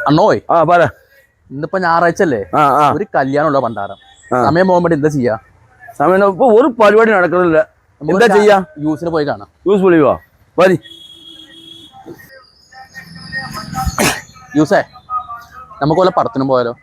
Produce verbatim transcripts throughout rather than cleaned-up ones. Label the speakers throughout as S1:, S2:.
S1: അണ്ണോയ്
S2: ആ പറ.
S1: ഇന്നിപ്പോ ഞായറാഴ്ച അല്ലേ?
S2: ആ ആ
S1: ഒരു കല്യാണമുള്ള പണ്ടാരം. സമയം പോകുമ്പോൾ എന്താ ചെയ്യാ?
S2: സമയം ഇപ്പൊ ഒരു പരിപാടി നടക്കുന്നില്ല. എന്താ ചെയ്യാ?
S1: യൂസിന് പോയി കാണാം.
S2: യൂസ് വിളിവാ മതി.
S1: യൂസേ നമുക്ക് വല്ല പടത്തിനും പോയാലോ?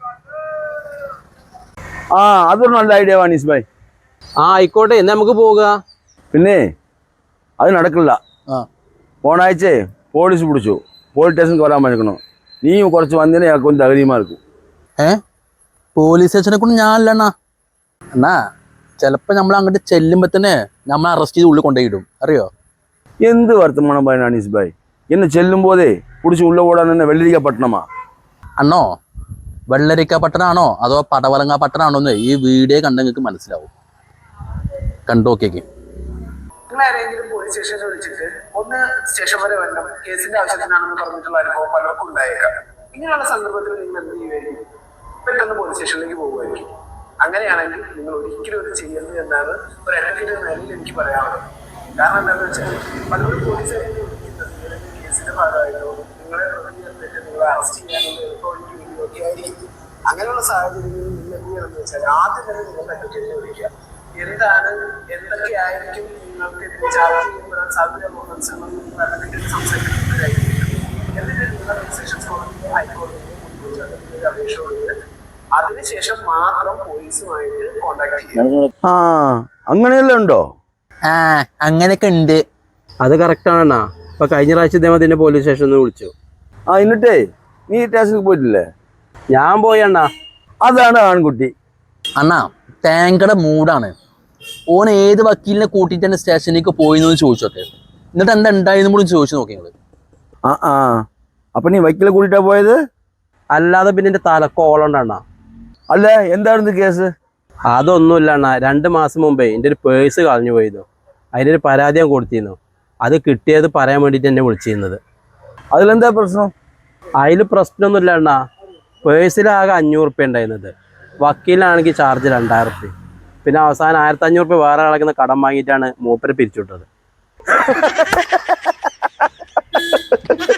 S2: ആ അതൊരു നല്ല ഐഡിയ വാനീസ് ഭായ്.
S3: ആ ആയിക്കോട്ടെ, എന്നാ നമുക്ക് പോവുക.
S2: പിന്നെ അത് നടക്കില്ല.
S1: ആ
S2: പോണാഴ്ചേ പോലീസ് പിടിച്ചു. പോലീസ് സ്റ്റേഷനിൽ വരാൻ പറഞ്ഞിരിക്കണോ? നീ കുറച്ച് വന്നതിനെ ഒന്ന് തകരീമാർക്കും.
S1: ഏ പോലീസ് സ്റ്റേഷനെ കൊണ്ട് ഞാനല്ലണ്ണാ. എന്നാ ചിലപ്പോ നമ്മൾ അങ്ങോട്ട് ചെല്ലുമ്പോ തന്നെ നമ്മൾ അറസ്റ്റ് ചെയ്ത് ഉള്ളിൽ കൊണ്ടുപോയിടും, അറിയോ?
S2: എന്ത് വർത്തമാനം പറയാൻ അനീസ് ഭായ്? എന്നെ ചെല്ലും പോതേ പിടിച്ച് ഉള്ള ഓടാൻ തന്നെ വെള്ളരിക്ക പട്ടണമാ.
S1: അണ്ണോ വെള്ളരിക്ക പട്ടണാണോ അതോ പടവലങ്ങ പട്ടണാണോ എന്ന് ഈ വീഡിയോ കണ്ട നിങ്ങൾക്ക് മനസ്സിലാവും. കണ്ടു നോക്കിയേക്ക്.
S4: നിങ്ങൾ ആരെങ്കിലും പോലീസ് സ്റ്റേഷനിൽ വിളിച്ചിട്ട് ഒന്ന് സ്റ്റേഷൻ വരെ വരണം, കേസിന്റെ ആവശ്യത്തിനാണെന്ന് പറഞ്ഞിട്ടുള്ള അനുഭവം പലർക്കും ഉണ്ടായേക്കാം. ഇങ്ങനെയുള്ള സന്ദർഭത്തിൽ നിങ്ങൾ എന്ത് ചെയ്യുമായിരിക്കും? പെട്ടെന്ന് പോലീസ് സ്റ്റേഷനിലേക്ക് പോകുമായിരിക്കും. അങ്ങനെയാണെങ്കിൽ നിങ്ങൾ ഒരിക്കലും ഇത് ചെയ്യരുത് എന്നാണ് ഒരു അഡ്വക്കേറ്റ് എന്ന നിലയിൽ എനിക്ക് പറയാനുള്ളത്. കാരണം എന്താണെന്ന് വെച്ചാൽ പലരും പോലീസുകാരെ വിളിക്കുന്നത് കേസിന്റെ ഭാഗമായിട്ടോ നിങ്ങളെ പ്രതികരിച്ചിട്ട് നിങ്ങളെ അറസ്റ്റ് ചെയ്യാനുള്ള എളുപ്പവഴിക്ക് വേണ്ടിയൊക്കെ ആയിരിക്കും. അങ്ങനെയുള്ള സാഹചര്യങ്ങളിൽ നിങ്ങൾ എന്ത് ചെയ്യണമെന്ന് വെച്ചാൽ ആദ്യം തന്നെ നിങ്ങൾ അഡ്വക്കേറ്റിനെ വിളിക്കുക. എന്താണ് എന്തൊക്കെയായിരിക്കും നിങ്ങൾക്ക് ചാർജ് ചെയ്യപ്പെടാൻ സാധ്യതയുള്ള മനസ്സിലാക്കി സംസാരിക്കുന്നതായിരിക്കും. എന്നിട്ട് നിങ്ങൾ സെഷൻസ് കോടതിയോ ഹൈക്കോടതിയോ മുൻകൂട്ടി അപേക്ഷ കൊടുത്ത് അതിനുശേഷം മാത്രം പോലീസുമായിട്ട് കോണ്ടാക്ട് ചെയ്യുക.
S2: ആ അങ്ങനെയല്ല ഉണ്ടോ?
S1: ആ അങ്ങനെയൊക്കെ ഉണ്ട്.
S3: അത് കറക്റ്റാണെന്നാ. ഇപ്പൊ കഴിഞ്ഞ പ്രാവശ്യം ഇതേമാതിരി തന്നെ പോലീസ് സ്റ്റേഷനിൽ നിന്ന് വിളിച്ചു.
S2: ആ എന്നിട്ടേ നീ സ്റ്റേഷനിൽ പോയിട്ടില്ലേ?
S3: ഞാൻ പോയി അണ്ണാ.
S2: അതാണ് ആൺകുട്ടി.
S1: അണ്ണാ ടാങ്കയുടെ മൂടാണ്. ഓൻ ഏത് വക്കീലിനെ കൂട്ടിയിട്ട് തന്നെ സ്റ്റേഷനിലേക്ക് പോയിന്ന് ചോദിച്ചോക്കെ. എന്നിട്ട് എന്താ ഉണ്ടായെന്നും കൂടി ചോദിച്ചു നോക്കി നിങ്ങള്.
S2: ആ ആ അപ്പൊ നീ വക്കീലെ കൂട്ടിട്ടാ പോയത്?
S3: അല്ലാതെ പിന്നെ എന്റെ തലക്കോളുണ്ട് അണ്ണാ.
S2: അല്ല എന്തായിരുന്നു കേസ്?
S3: അതൊന്നുമില്ല അണ്ണാ. രണ്ട് മാസം മുമ്പേ എൻ്റെ ഒരു പേഴ്സ് കളഞ്ഞു പോയിരുന്നു. അതിനൊരു പരാതി ഞാൻ കൊടുത്തിരുന്നു. അത് കിട്ടിയത് പറയാൻ വേണ്ടിയിട്ട് എന്നെ വിളിച്ചിരുന്നത്.
S2: അതിലെന്താ പ്രശ്നം?
S3: അതിൽ പ്രശ്നമൊന്നുമില്ല അണ്ണാ. പേഴ്സിലാകെ അഞ്ഞൂറ് റുപ്യ ഉണ്ടായിരുന്നത്. വക്കീലാണെങ്കിൽ ചാർജ് രണ്ടായിരം റുപ്യ. പിന്നെ അവസാനം ആയിരത്തി അഞ്ഞൂറ് റുപ്യ വേറെ കളക്കുന്ന കടം വാങ്ങിയിട്ടാണ് മൂപ്പരെ പിരിച്ചുവിട്ടത്.